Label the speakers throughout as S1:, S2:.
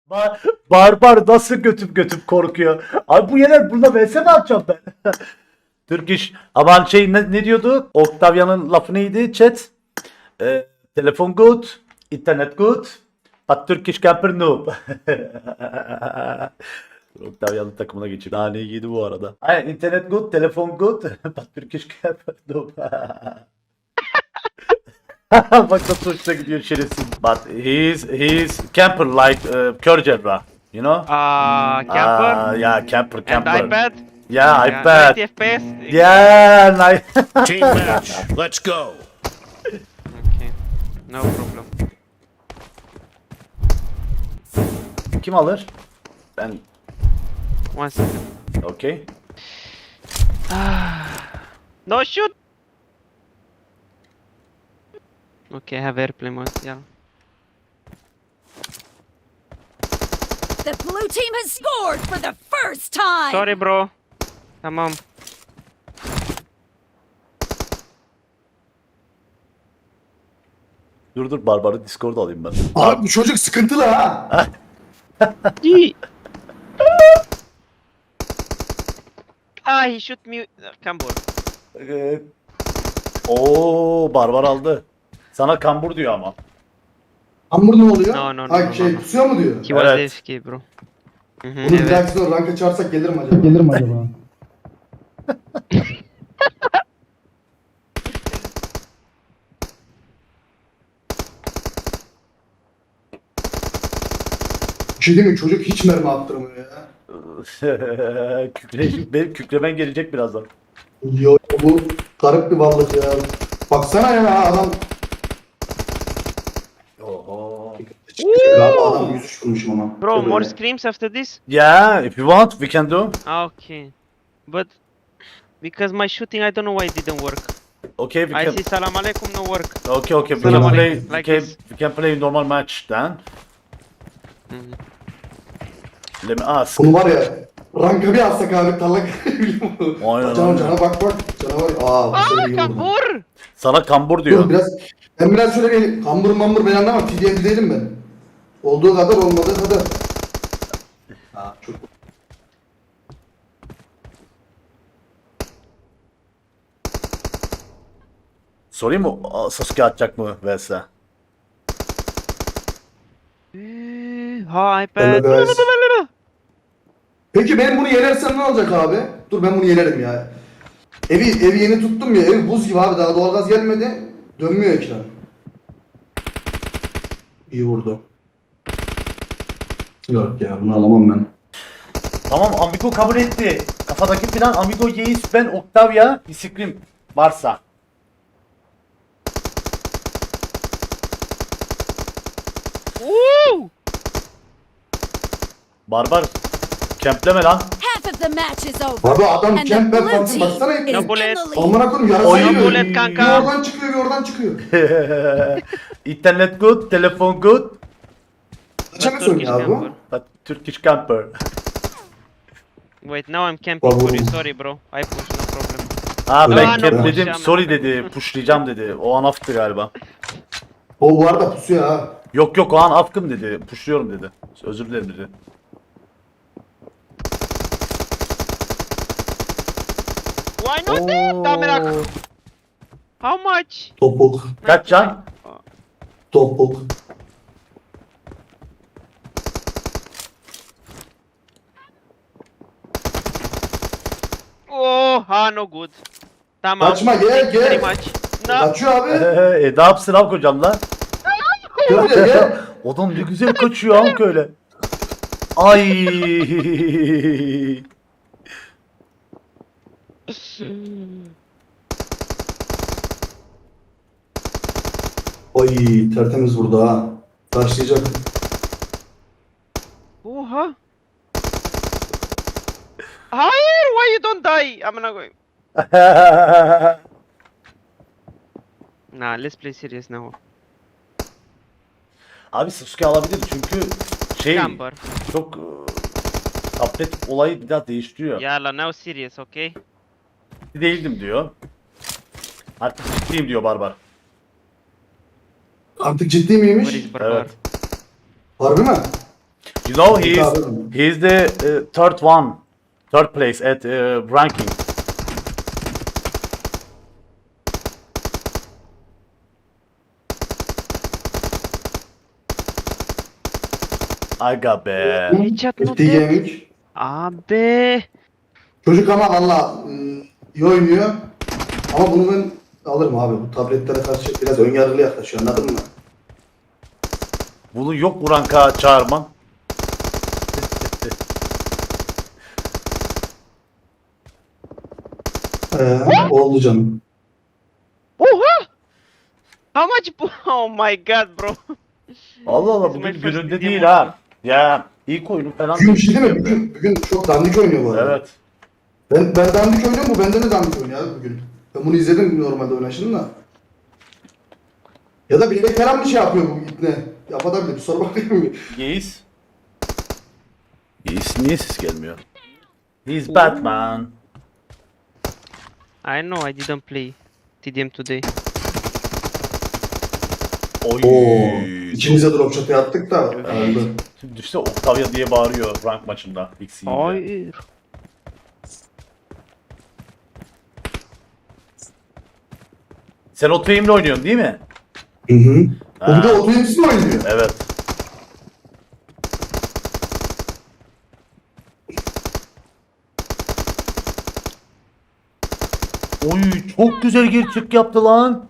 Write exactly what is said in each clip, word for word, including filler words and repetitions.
S1: Bar Barbar nasıl götüp götüp korkuyor. Abi bu yener bunda vs mi atacağım ben? Türk iş. Aman şey ne, ne diyordu? Octavian'ın lafı neydi chat? Ee, telefon good, internet good, but Turkish camper noob. Octavian'ın takımına geçip naneyi yedi bu arada. Aynen internet good, telefon good, but Turkish camper noob. Bak nasıl hoşuna gidiyor şerefsiz. But he is, he is camper like uh, Kör Cerrah. You know?
S2: Ah, camper.
S1: Ah, yeah, camper,
S2: And
S1: camper.
S2: iPad.
S1: Yeah,
S2: Yeah,
S1: iPad.
S2: ninety F P S.
S1: Yeah, nice.
S3: Team match. Let's go.
S2: Okay. No problem.
S1: Kim alır? Ben.
S2: One second.
S1: Okay.
S2: No shoot. Okay, I have airplane mode. Yeah.
S4: The blue team has scored for the first time!
S2: Sorry, bro. Tamam.
S1: Dur dur Barbar'ı Discord'a alayım ben.
S5: Abi bu çocuk sıkıntılı ha.
S2: Yee. Ah, he shoot me. Kambur.
S1: Ee, Oo, Barbar aldı. Sana kambur diyor ama.
S5: Hamur ne oluyor?
S2: No, no, no,
S5: Ha
S2: no,
S5: şey
S2: no.
S5: pusuyor mu diyor?
S2: He was
S1: Evet.
S2: A F K, bro. Mhm,
S5: Bunu bir
S2: evet.
S5: dahakisine ranka çağırsak gelir mi acaba? Gelir mi acaba? Bir şey değil mi? Çocuk hiç mermi attırmıyor ya.
S1: Kükre, benim kükremen gelecek birazdan.
S5: Yo bu garip bir varlık ya. Baksana ya adam.
S1: Oho.
S5: Abi adam yüz üç vurmuşum ama.
S2: Bro,
S5: Tabii
S2: more
S5: ya.
S2: screams after this?
S1: Yeah, if you want, we can do.
S2: Ah, okay. But because my shooting, I don't know why it didn't work.
S1: Okay, we
S2: I
S1: can.
S2: see salam alaikum, no work.
S1: Okay, okay, we
S2: Salam
S1: can play.
S2: alaikum,
S1: We
S2: like
S1: can,
S2: this.
S1: we can play normal match then.
S2: Mhm.
S1: Let me ask.
S5: Bunu var ya ranka bir alsak abi talak.
S1: Aynen,
S5: Cana
S1: aynen.
S5: cana bak bak. Cana var. Aa bu
S2: Ah,
S5: sefer iyi vurdu.
S2: Kambur!
S1: Sana kambur
S5: Dur
S1: diyor.
S5: biraz. Ben biraz şöyle bir kambur mambur ben anlamam. T D M'de değilim ben. Olduğu kadar olmadığı kadar. Ha çok.
S1: Sorayım mı? Aa, Sasuke atacak mı vs?
S2: Hi, iPad.
S5: Hello, guys. Peki ben bunu yenersem ne olacak abi? Dur ben bunu yenerim ya. Evi evi yeni tuttum ya. Ev buz gibi abi daha doğalgaz gelmedi. Dönmüyor ekran. İyi vurdu. Yok ya bunu alamam ben.
S1: Tamam, Amigo kabul etti. Kafadaki plan Amigo, Yeis, ben, Octavia, Isikrim varsa.
S2: Woo!
S1: Barbar, kempleme lan.
S4: Half of the match is over.
S5: Abi adam
S4: and the
S5: camp ben
S4: blue
S5: farkım
S4: team
S5: baksana
S4: is
S5: ekran.
S4: in
S2: bullet.
S4: the lead.
S5: Amına koyayım yarasa
S1: Oy.
S5: yiyor.
S2: Bullet
S5: Bir
S2: kanka.
S5: oradan çıkıyor bir oradan çıkıyor.
S1: İnternet good, telefon good,
S5: Açamıyorsun
S2: Turkish
S5: ya bu.
S2: camper.
S1: but Turkish camper.
S2: Wait, now I'm camping
S5: Bravo.
S2: for you. Sorry, bro. I push, no problem.
S1: Ha
S5: Aa,
S1: ben
S5: no,
S1: kempledim,
S2: push.
S1: sorry dedi, pushlayacağım dedi. O an aftı galiba.
S5: O bu arada pusuyor ha.
S1: Yok yok, o an afkım dedi, pushluyorum dedi. Özür dilerim dedi.
S2: Why not that? Damirak. How much?
S5: Topuk.
S1: Kaç can?
S5: Topuk.
S2: Oh, ah, no good. Tamam.
S5: Kaçma, gel,
S2: Thank you
S5: gel.
S2: very much. No.
S5: Kaçıyor abi.
S1: e ne yapsın Amk hocam lan?
S5: Gel buraya gel.
S1: Adam ne güzel kaçıyor Amk öyle. Ay.
S5: Ay tertemiz vurdu ha. Taşlayacak.
S2: Oha. Hayır, why you don't die? I'm not going. Nah, let's play serious now.
S1: Abi Sasuke alabilir çünkü şey
S2: Camper.
S1: çok e, tablet olayı bir daha değiştiriyor.
S2: Yalla, now serious, okay?
S1: Değildim diyor. Artık ciddiyim diyor Barbar.
S5: Artık ciddi
S2: Where
S5: miymiş?
S2: is Barbar?
S1: Evet.
S5: Harbi mi?
S1: You know he is
S5: Abi.
S1: he is the uh, third one, third place at uh, ranking. Aga be.
S2: Headshot not
S5: Etti
S2: dead.
S5: Gaming.
S2: Abi.
S5: Çocuk ama valla ım, iyi oynuyor. Ama bunu ben alırım abi. Bu tabletlere karşı biraz önyargılı yaklaşıyor, anladın mı?
S1: Bunu yok vuran ka çağırmam.
S5: Ee, oldu canım.
S2: Oha! How much? bu- Oh my god, bro.
S1: Allah Allah
S2: Bizim
S1: bugün
S2: el
S1: gününde
S2: first
S1: değil
S2: video
S1: ha. Ya ilk oyunu falan.
S5: Bugün bir şey değil mi? Bugün, bugün çok dandik oynuyor bu arada.
S1: Evet.
S5: Ben, ben dandik oynuyorum, bu benden de dandik oynuyor abi bugün. Ben bunu izledim normalde oynayışını da. Ya da bilerek falan bir şey yapıyor bu ipne. Yapabilir, bir sor bakayım.
S1: Yeis. Yeis niye ses gelmiyor? He's Batman.
S2: I know I didn't play T D M today.
S1: Oy.
S5: Oo. İkimize drop shot'ı attık da. Öldü.
S1: Şimdi düşse Octavia diye bağırıyor rank maçında. X yiyince.
S2: Hayır.
S1: Sen o team'le oynuyorsun değil mi?
S5: Hı hı. O
S1: Ha.
S5: bir de otoyumsuz mu oynuyor?
S1: Evet. Oy çok güzel gir çık yaptı lan.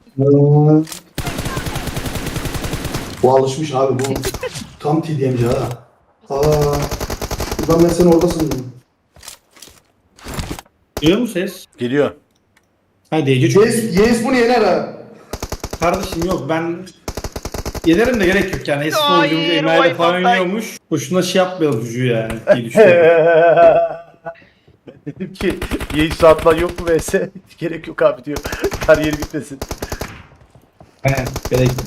S5: Bu alışmış abi, bu tam T D M'ci ha. Aa, buradan ben seni orada sandım.
S6: Duyuyor mu ses?
S1: Geliyor.
S6: Ha D C çok.
S5: Yes, yes bunu yener ha.
S6: Kardeşim yok ben yenerim de gerek yok yani eski
S2: Hayır,
S6: oyuncumuz Emel'de
S2: vay
S6: falan
S2: vay.
S6: oynuyormuş. Boşuna şey yapmayalım çocuğu yani diye düşünüyorum.
S1: Ben dedim ki Yeis atman yok mu vs? Gerek yok abi diyor. Kariyeri bitmesin.
S6: He gerek yok.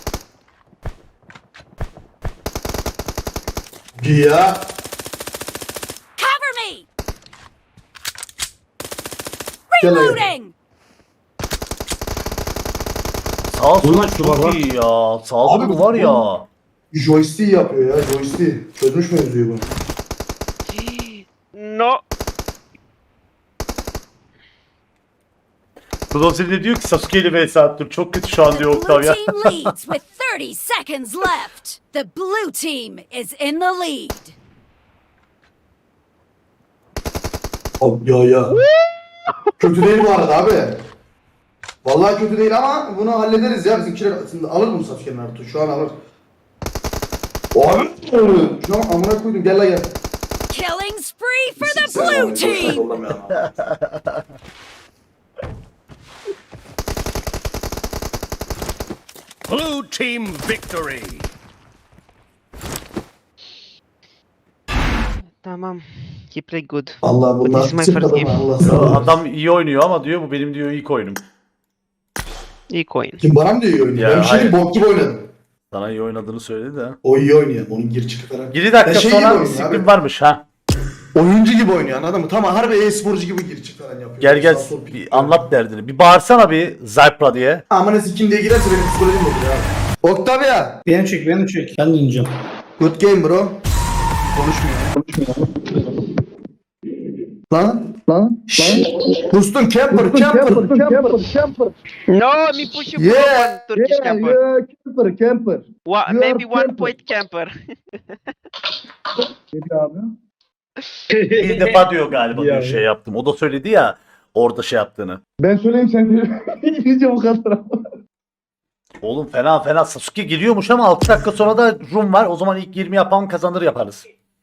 S5: Ya.
S4: Cover me!
S5: Gel hele.
S4: Reloading!
S1: Sağ
S6: Vur lan
S1: sol
S6: şu
S1: çok
S6: bardak.
S1: iyi ya. Sağ
S5: Abi
S1: sol
S5: bu-
S1: var ya.
S5: Joystick yapıyor ya, joystick. Çözmüş mevzuyu bu.
S2: No.
S1: Klozeli de diyor ki Sasuke ile vs attım. Çok kötü şu an diyor
S4: Blue
S1: Octavia.
S4: team leads with thirty seconds left. The blue team is in the lead.
S5: Abi ya ya. Kötü değil bu arada abi. Vallahi kötü değil ama bunu hallederiz ya, bizimkiler aslında alır bunu Sasuke'nin artık, şu an alır. Abi şuna bak, amına koydum, gel la gel.
S4: Killing spree for the
S5: Sen
S4: blue
S5: abi, boşver,
S4: team!
S5: yollamayalım abi.
S3: Blue team victory.
S2: Tamam. He played good.
S5: Allah bunlar
S2: This is my
S5: Türk
S2: first
S5: adamı,
S2: game.
S5: Allah sağ olsun.
S1: Adam iyi oynuyor ama diyor bu benim diyor ilk oyunum.
S2: İyi coin.
S5: Kim bana mı diyor iyi oynuyor?
S1: Ya,
S5: Ben bir şey
S1: hayır.
S5: diyeyim, bok gibi oynadım.
S1: Sana iyi oynadığını söyledi de.
S5: O iyi oynuyor, onun gir çıkı falan.
S1: yedi dakika
S5: Ya şey gibi
S1: sonra
S5: oynuyor
S1: disiplin
S5: abi.
S1: varmış ha.
S5: Oyuncu gibi oynuyor, anladın mı? Tamam, harbi e-sporcu gibi gir çık falan yapıyor.
S1: Gel gel
S5: Sağ sol
S1: bir
S5: pik.
S1: anlat derdini. Bir bağırsana bir Zypra diye.
S5: Amına sikim diye girerse benim psikolojim bozulur ya. Octavia.
S6: Beni çek beni çek. Ben de ineceğim.
S5: Good game bro. Konuşmuyor. Konuşmuyor. Lan lan lan. Pustun camper camper camper camper.
S2: No, me push you
S5: Yeah,
S2: one Turkish
S5: yeah,
S2: camper.
S5: yeah, camper camper.
S2: Wa-
S5: you are
S2: maybe one
S5: camper.
S2: point camper.
S5: Dedi abi.
S1: Bir defa diyor galiba diyor
S6: Ya.
S1: şey yaptım. O da söyledi ya orada şey yaptığını.
S5: Ben söyleyeyim sen söyle. İyice bu kadar.
S1: Oğlum fena fena Sasuke geliyormuş ama altı dakika sonra da room var. O zaman ilk yirmi yapan kazanır yaparız.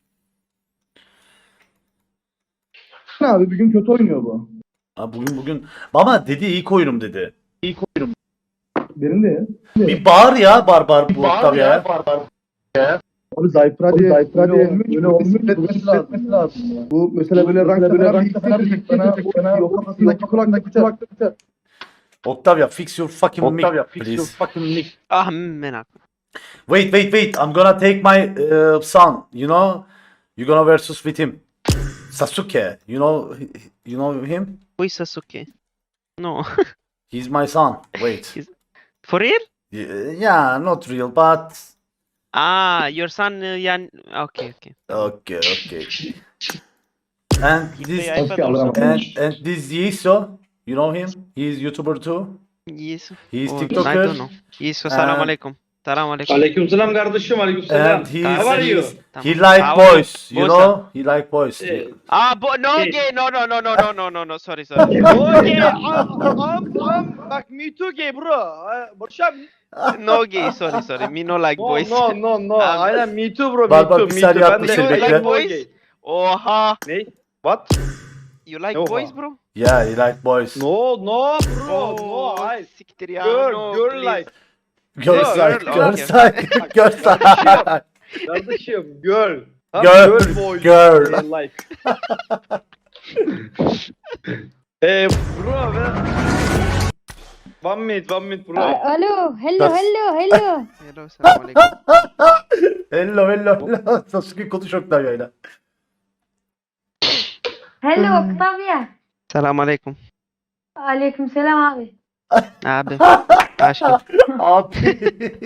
S5: Abi bugün kötü oynuyor bu.
S1: Ha, bugün bugün ama dedi ilk oyunum dedi.
S5: Benim de ya.
S1: Bir bağır ya barbar bu Octavia'ya.
S5: Abi Zaypra diye, Zaypra diye öyle olmuş etmesi lazım. lazım. Bu mesela böyle rankta böyle rankta falan bir bana bana yok kafasındaki kulaklık kulaklık biter.
S1: Octavia fix your fucking mic please.
S2: Ah, menak.
S1: Wait wait wait I'm gonna take my uh, son. You know you gonna versus with him. Sasuke. You know you know him?
S2: Who is Sasuke? No.
S1: He's my son. Wait.
S2: For real?
S1: Yeah, not real but
S2: Ah, your son, uh, Yan. Okay, okay.
S1: Okay, okay. And this
S2: Play iPad also?
S1: and and this Yiso, you know him? He's YouTuber too.
S2: Yes.
S1: He's
S2: Oh,
S1: TikToker.
S2: I don't know. Yes, salam
S1: Uh,
S2: alaikum. Salam alaikum.
S6: Aleykümselam kardeşim, aleykümselam.
S1: And he's,
S6: How are you?
S1: he's
S2: Tamam.
S1: he like
S2: How are you?
S1: boys, you
S2: Bosa.
S1: know? He like boys.
S6: Eh,
S2: Ah, bo no
S6: Hey.
S2: gay. No, no, no, no, no, no, no, no. Sorry, sorry.
S7: Okay, am, am, am, bak me too gay bro. Uh, Barış abi.
S2: No gay. Sorry, sorry. Me no like
S7: No,
S2: boys.
S7: no, no, no.
S2: Um,
S7: Aynen me too bro,
S1: Var,
S7: me
S1: var,
S7: too,
S1: bir
S7: me
S1: saniye
S7: too. Ben
S1: atmış
S7: de
S2: herif,
S7: like
S2: bekle.
S7: boy gay.
S2: Oha.
S7: Ne? What?
S2: You like
S7: Oha.
S2: boys, bro?
S1: Yeah, he like boys.
S7: No, no bro,
S2: Oh,
S7: no. Hayır.
S2: siktir ya.
S7: Girl,
S2: no,
S7: girl
S2: please.
S7: like.
S1: Girls
S7: Girl,
S1: like,
S2: girl,
S1: girls
S2: okay.
S1: like, girls like.
S7: Kardeşim, girl. Ha,
S1: Girl,
S7: girl boy.
S1: girl.
S7: They like. Eh bro ben... One minute, one minute bro.
S8: Hello, hello,
S1: That's-
S8: hello, hello.
S2: Hello, salam alaikum.
S1: Hello, hello, hello. Sasuke konuş Octavia'yla.
S8: Hello Octavia.
S2: Salam alaikum.
S8: Aleykümselam abi.
S2: Abi. Aşkım.
S1: Abi.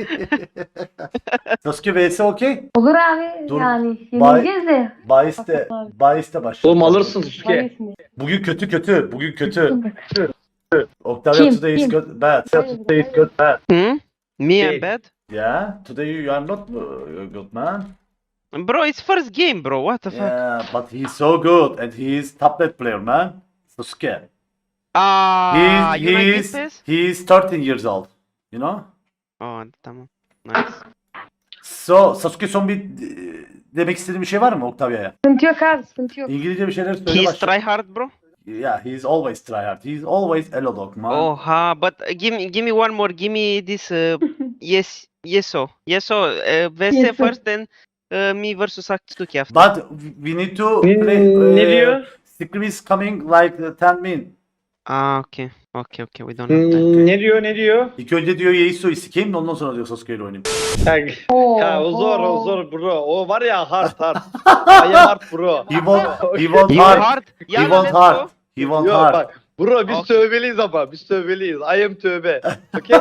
S1: Sasuke vs okey.
S8: Olur abi
S1: Dur,
S8: yani
S1: bay-
S8: yenileceğiz de.
S1: Bayiste, bayiste başla.
S7: Oğlum alırsın Suske.
S8: Bayis mi?
S1: Bugün kötü kötü, bugün kötü. Octavia
S8: Kim,
S1: today is
S8: kim?
S1: good, bad.
S8: Hayır,
S1: Today is good, bad.
S2: Hmm? Me
S7: Hey.
S2: and bad?
S1: Yeah, today you are not uh, good, man.
S2: Bro, it's first game, bro. What the fuck?
S1: Yeah, but he's so good and he's tablet player, man. Sasuke.
S2: Ah,
S1: He's,
S2: you like
S1: he's,
S2: this pace?
S1: he's thirteen years old. You know?
S2: Oh, tamam. Nice.
S1: So, Sasuke son bir e, demek istediğin bir şey var mı Octavia'ya?
S8: Sıkıntı yok abi, sıkıntı yok.
S1: İngilizce bir şeyler söyle
S2: He's
S1: başla.
S2: try hard, bro.
S1: Yeah, he's always try hard. He's always elo dog, man.
S2: Oha, but uh, give me, give me one more. Give me this. Uh, yes, yeso, yeso. Uh, V S
S8: Yeso.
S2: first, then uh, me versus Akatsuki after.
S1: But we need to
S7: Ne-
S1: play.
S7: ne
S1: uh,
S7: diyor?
S1: Scream is coming like uh, ten min.
S2: Ah, okay, okay, okay. We don't have time.
S7: Hmm, ne diyor, ne diyor?
S1: İlk önce diyor Yeiso'yu sikeyim de ondan sonra diyor Sasuke ile oynayayım.
S8: Oo,
S7: Ya o zor, o
S8: oo.
S7: zor bro. O var ya hard hard. I am hard bro.
S1: He want, he want
S2: You
S1: hard.
S2: hard?
S1: He
S2: Yeah,
S1: want
S2: let's
S1: hard.
S2: go.
S1: He want
S7: Yok
S1: hard.
S7: bak. Bro biz
S2: Okay.
S7: tövbeliyiz ama. Biz tövbeliyiz. I am tövbe. Okay?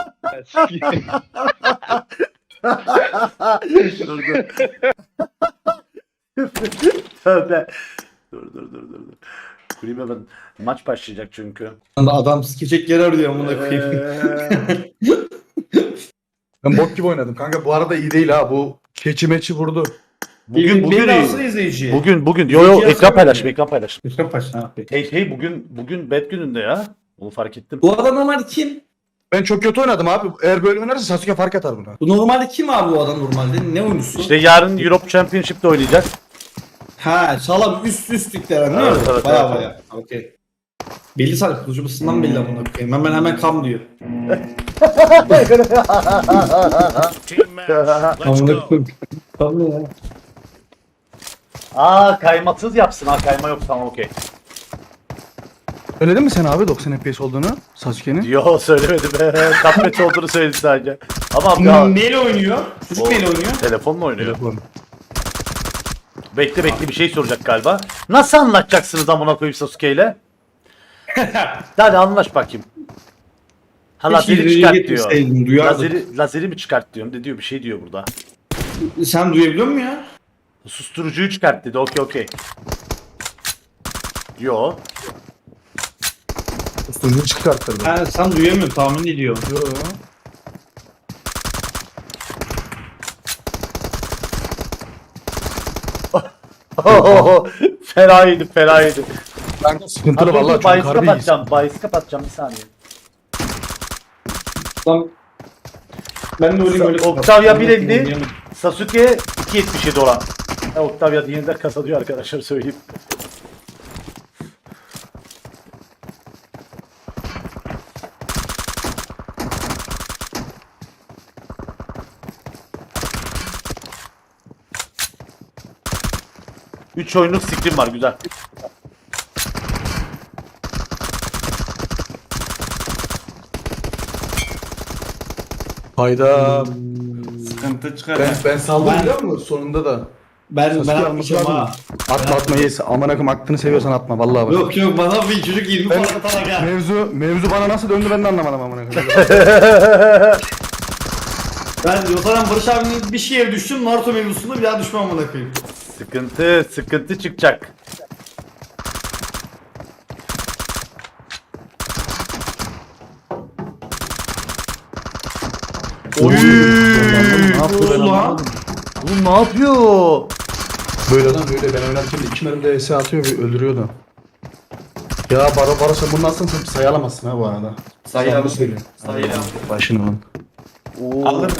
S1: dur dur. Tövbe. Dur dur dur dur. dur. Kulübe ben maç başlayacak çünkü.
S6: Adam sikecek yer arıyor amına koyayım.
S1: Eee,
S5: Ben bok gibi oynadım kanka. Bu arada iyi değil ha. Bu keçi meçi vurdu.
S1: bugün bugün
S6: Beni alsana
S1: iyi.
S6: izleyiciye.
S1: Bugün bugün yo yo
S6: İzleyici
S1: ekran
S6: yazsana
S1: paylaş
S6: beni.
S1: ekran paylaş.
S6: Lütfen paş. Ha, peki.
S1: Hey hey bugün bugün bad gününde ya. Onu fark ettim.
S6: Bu adam normalde kim?
S5: Ben çok kötü oynadım abi. Eğer böyle oynarsa Sasuke fark atar buna.
S6: Bu normalde kim abi bu adam normalde? Ne oyuncusu?
S1: İşte yarın Europe Championship'te oynayacak.
S6: Ha, salam üst üst ligler değil
S1: Evet,
S6: mi?
S1: evet,
S6: Baya
S1: evet.
S6: baya. Okey. Belli sadece kılıcımasından belli amına koyayım. Hemen hemen kam diyor.
S3: Team match. Let's
S6: Amına
S3: go.
S6: koyayım. Kam ne ya?
S1: Aa kaymasız yapsın ha kayma yok tamam okey.
S5: Söyledin mi sen abi doksan F P S olduğunu Sasuke'nin?
S1: Yo söylemedim. Tablet olduğunu söyledi sadece. Ama abi ya,
S6: Neyle oynuyor? Çocuk
S1: O-
S6: neyle oynuyor?
S1: telefonla oynuyor.
S5: Telefon.
S1: Bekle bekle bir şey soracak galiba. Nasıl anlaşacaksınız amına koyayım Sasuke ile? Hadi anlaş bakayım. Ha lazeri
S6: Keşke
S1: çıkart
S6: ileriye
S1: diyor.
S6: getirseydin, duyardık.
S1: Lazeri, lazeri mi çıkart diyorum de diyor bir şey diyor burada.
S6: Sen duyabiliyor musun ya?
S1: Susturucuyu çıkart dedi okey okey. Yo.
S5: Susturucu çıkarttırdı.
S6: Ha, sen duyamıyorsun tahmin ediyor.
S5: Yo.
S1: Fenaydı fenaydı.
S5: Kanka
S1: Ha,
S5: sıkıntılı
S1: dur,
S5: vallahi
S1: dur,
S5: çok
S1: bahis
S5: harbi iyisin.
S1: kapatacağım. Bahis kapatacağım bir saniye.
S6: Lan ben de öyle böyle
S1: Octavia bir elli. Sasuke iki yetmiş yedi olan. Ha, Octavia yeniden kazanıyor arkadaşlar söyleyeyim. üç oyunluk scrim var güzel.
S5: Hayda.
S6: Sıkıntı çıkar.
S5: Ben, ben saldım
S6: Ben-
S5: biliyor musun sonunda da.
S6: Ben ben
S5: Sasuke
S6: atmayacağım
S5: almış
S6: ha.
S5: Atma atma yes. Aman akım aklını seviyorsan atma vallahi bak.
S6: Yok yok bana bir çocuk yirmi
S5: Ben-
S6: fark atarak ha.
S5: Mevzu mevzu bana nasıl döndü ben de anlamadım amına koyayım.
S6: Ben Yotaran Barış abinin bir şeye düştüm. Naruto mevzusunda bir daha düşmem amına koyayım.
S1: Sıkıntı, sıkıntı çıkacak. Oy!
S5: Ne yapıyor ben anlamadım.
S1: Oğlum ne yapıyor?
S5: Böyle lan böyle ben oynarken de iki mermi de S atıyor ve öldürüyordu. Ya Baro Baro sen bundan sonra sayı alamazsın ha bu arada.
S6: Sayı
S5: Sana
S6: alırım.
S5: söylüyorum.
S6: Sayı alırım.
S5: Başını lan.
S1: Oo.
S6: Alırım.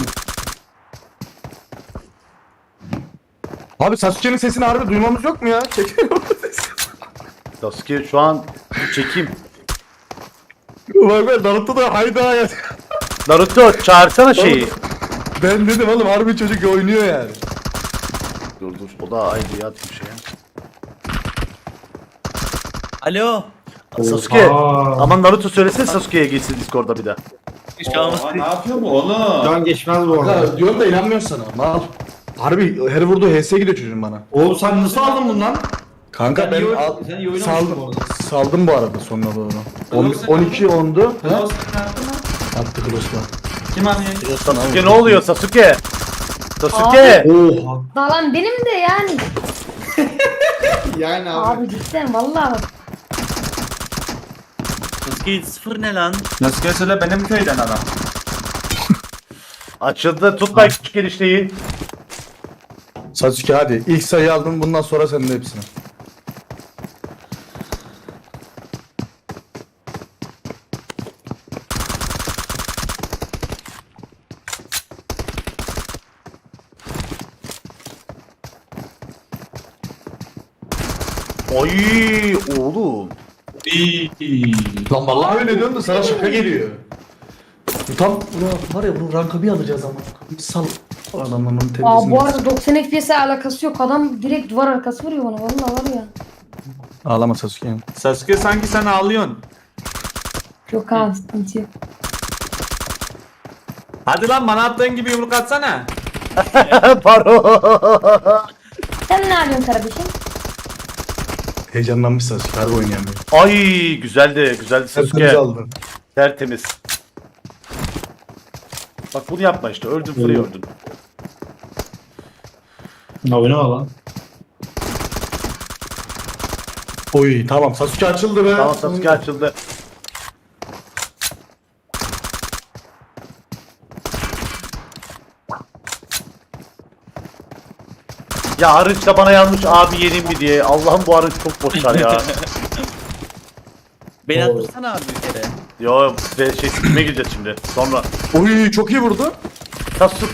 S5: Abi Sasuke'nin sesini harbi duymamız yok mu ya? Çekiyorum.
S1: Sasuke şu an çekim.
S5: Bak ben Naruto da hayda ya.
S1: Naruto çağırsana şeyi.
S5: Ben dedim oğlum harbi çocuk oynuyor yani.
S1: Dur dur o da ayrı ya bir şey.
S9: Alo.
S1: Sasuke. Aman Naruto söylesene Sasuke'ye geçsin Discord'da bir daha.
S9: Oha,
S7: Ne yapıyor bu oğlum?
S6: Can geçmez bu arada.
S5: Ya diyorum da inanmıyorsun sana. Mal. Harbi her vurduğu H S'ye gidiyor çocuğun bana.
S6: Oğlum sen nasıl aldın bundan?
S5: Kanka
S6: Sen
S5: ben
S6: iyi oyn-
S5: al,
S6: sen iyi oynamışsın bu
S5: saldım,
S6: arada.
S5: saldım bu arada sonuna doğru. On-
S7: sen-
S5: on iki ondu. He?
S7: Klaus ne yaptı mı?
S5: Attı Klos'la.
S7: Kim anlıyor?
S1: Sasuke ne oluyor Sasuke? Sasuke.
S6: Oha.
S8: Falan benim de yani.
S6: Yani abi.
S8: Abi cidden vallahi bak.
S9: Sasuke sıfır ne lan?
S7: Nasıl söyle benim köyden adam.
S1: Açıldı tutma küçük enişteyi.
S5: Sasuke hadi ilk sayı aldın bundan sonra senin de hepsini.
S1: Ay oğlum.
S5: Lan vallahi öyle diyorsun da sana şaka geliyor. Bu tam buna var ya bunu ranka bir alacağız ama. Bir sal adamların tepkisini.
S8: Aa bu arada doksan F P S'e alakası yok. Adam direkt duvar arkası vuruyor bana. Vallahi var ya.
S5: Ağlama Sasuke.
S7: Sasuke sanki sen ağlıyorsun.
S8: Yok abi sıkıntı yok.
S7: Hadi lan bana attığın gibi yumruk atsana.
S1: Paro.
S8: Sen ne yapıyorsun kardeşim?
S5: Heyecanlanmış Sasuke harbi oynayamıyor.
S1: Ay güzeldi güzeldi
S5: Tertemiz
S1: Sasuke.
S5: aldın.
S1: Tertemiz. Bak bunu yapma işte öldün free öldün.
S6: Ne oynama lan.
S5: Oy tamam Sasuke açıldı be.
S1: Tamam Sasuke açıldı. Ya Arınç da bana yazmış abi yeneyim mi diye. Allah'ım bu Arınç çok boşlar ya.
S9: Beni attırsana abi bir kere.
S1: Yo ve şey sikime gireceğiz şimdi. Sonra.
S5: Oy çok iyi vurdu.
S1: Sasuke.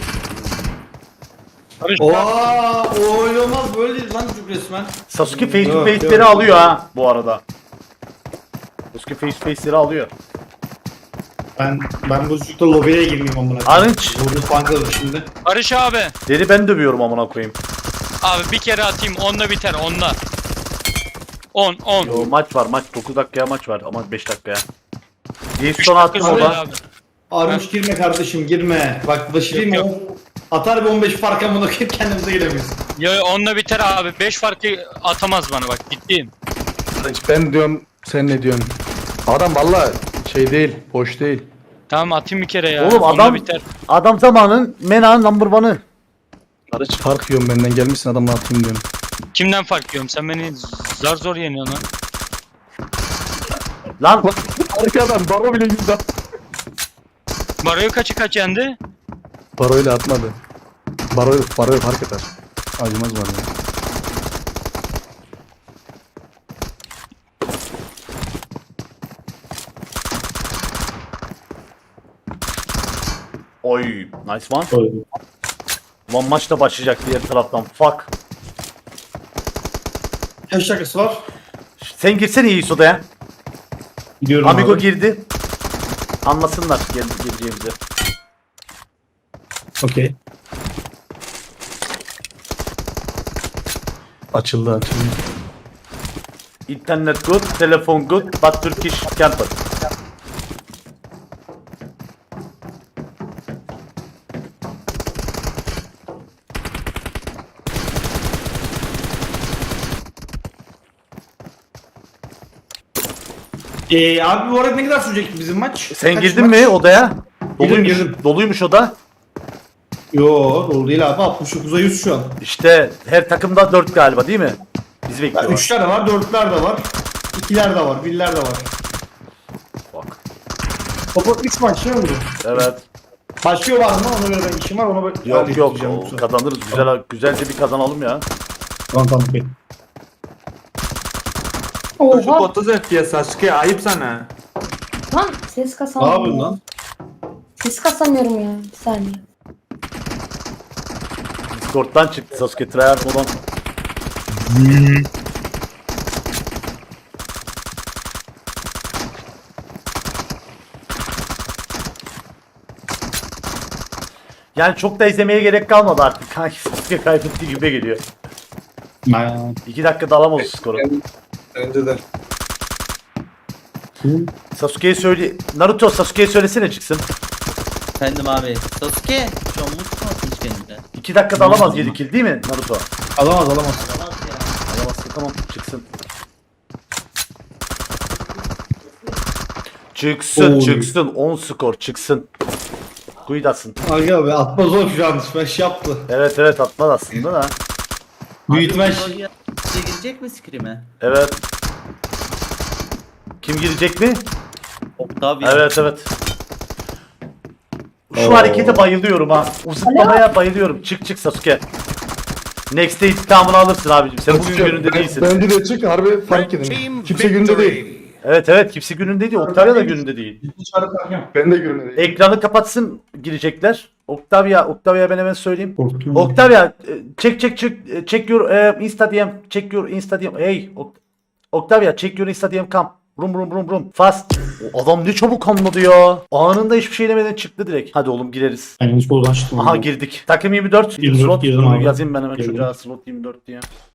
S6: Oha o öyle olmaz böyle değil lan çocuk resmen.
S1: Sasuke face to
S6: Yok,
S1: face'leri
S6: yok.
S1: alıyor ha bu arada. Sasuke face to face'leri alıyor.
S6: Ben ben bu çocukta lobiye girmeyeyim amına.
S1: Arınç
S6: Vurdu pankalı şimdi.
S10: Barış abi.
S1: dedi ben dövüyorum amına koyayım.
S10: Abi bir kere atayım onunla biter onunla. on on.
S1: Yo maç var maç dokuz dakikaya maç var ama beş dakikaya. Bir son attım
S10: Kız
S1: orada.
S10: abi.
S6: Arınç girme kardeşim girme. Bak başlayayım
S10: Yok,
S6: mı? Atar bir on beş fark amına koyup kendimize gelemiyoruz.
S10: Yo yo, onunla biter abi. beş farkı atamaz bana bak ciddiyim.
S5: Ben diyorum sen ne diyorsun? Adam valla şey değil boş değil.
S10: Tamam atayım bir kere ya.
S1: Oğlum
S10: onunla
S1: adam
S10: biter.
S1: adam zamanın Mena'nın number one'ı.
S5: Hiç fark yiyorum benden gelmişsin adamla atayım diyorum.
S10: Kimden fark yiyorum? Sen beni zar zor yeniyorsun lan.
S1: Lan
S5: Arkadan baro bile yüzden.
S10: Baroyu kaçı kaç yendi?
S5: Baroyla atmadı. Baroyu, baroyu fark eder. Acımaz var ya.
S1: oy nice one. Ulan maç da başlayacak diğer taraftan. Fuck.
S6: Kaç şakası var?
S1: Sen girsene iyi odaya.
S6: Gidiyorum
S1: Amigo
S6: abi.
S1: girdi. Anlasınlar gel gireceğimizi.
S6: Okey.
S5: Açıldı açıldı.
S1: İnternet good, telefon good, but Turkish can't.
S6: Ee, abi bu arada ne kadar sürecek bizim maç?
S1: Sen
S6: Kaç
S1: girdin
S6: maç?
S1: mi odaya? Doluymuş,
S6: girdim.
S1: doluymuş oda.
S6: Yo doğru değil abi. altmış dokuza yüz şu an.
S1: İşte her takımda dört galiba değil mi? Bizi
S6: Ya
S1: bekliyorlar.
S6: üçler de var, dörtler de var. ikiler de var, birler de var.
S1: Bak.
S6: Topu üç başlıyor mu?
S1: Evet.
S6: Başlıyor var mı? Ona göre ben işim var. Ona ben
S1: Yok yok
S6: halledeceğim
S1: o,
S6: yoksa.
S1: kazanırız. Güzel güzelce bir kazanalım ya.
S6: Tamam tamam. Peki.
S8: Oha.
S7: otuz F P S Sasuke ayıp sana.
S8: Lan ses
S6: Ne
S8: kasamıyorum.
S6: yapıyorsun lan?
S8: Ses kasamıyorum ya. Bir saniye.
S1: Discord'dan çıktı Sasuke Tryhard olan. Yani çok da izlemeye gerek kalmadı artık. Kanki Sasuke kaybettiği gibi geliyor.
S6: Aynen.
S1: iki dakikada alamaz o skoru.
S6: Bence de.
S1: Sasuke'ye söyle... Naruto Sasuke'ye söylesene çıksın.
S9: Efendim abi. Sasuke. Şu an mutlu musun hiç kendine?
S1: iki dakikada alamaz yedi kill değil mi Naruto?
S6: Alamaz alamaz.
S9: Alamaz ya.
S1: Alamazsa tamam çıksın. Çıksın
S6: Oy.
S1: çıksın on skor çıksın. Kuydasın.
S6: Aga abi atma zor şu an. Smash yaptı.
S1: Evet evet atmaz aslında da.
S6: Büyük ihtimal
S9: Oraya girecek mi Scream'e?
S1: Evet. Kim girecek mi?
S9: Octavia.
S1: Evet evet. Şu
S6: Oo.
S1: harekete bayılıyorum ha. Uzatmamaya bayılıyorum. Çık çık Sasuke. Next'te intikamını alırsın abicim. Sen bugün gününde değilsin.
S5: Bence de çık harbi fark
S3: Red
S5: edin.
S3: team
S5: Kimse gününde değil.
S3: victory.
S1: Evet evet kimse gününde değil. Octavia da gününde değil.
S5: Ben de gününde değil.
S1: Ekranı kapatsın girecekler. Octavia, Octavia ben hemen söyleyeyim.
S6: korkuyorum.
S1: Octavia, e, check check check e, check your uh, Insta D M, check your Insta D M. Hey, Ok- Octavia, check your Insta D M come. Rum rum rum rum. Fast. O adam ne çabuk anladı ya. Anında hiçbir şey demeden çıktı direkt. Hadi oğlum gireriz.
S6: Yani soldan çıktım.
S1: Aha girdik. Takım yirmi dört.
S6: yirmi dört
S1: slot
S6: girdim
S1: dur,
S6: abi.
S1: yazayım ben hemen
S6: Girdim.
S1: çocuğa slot yirmi dört diye.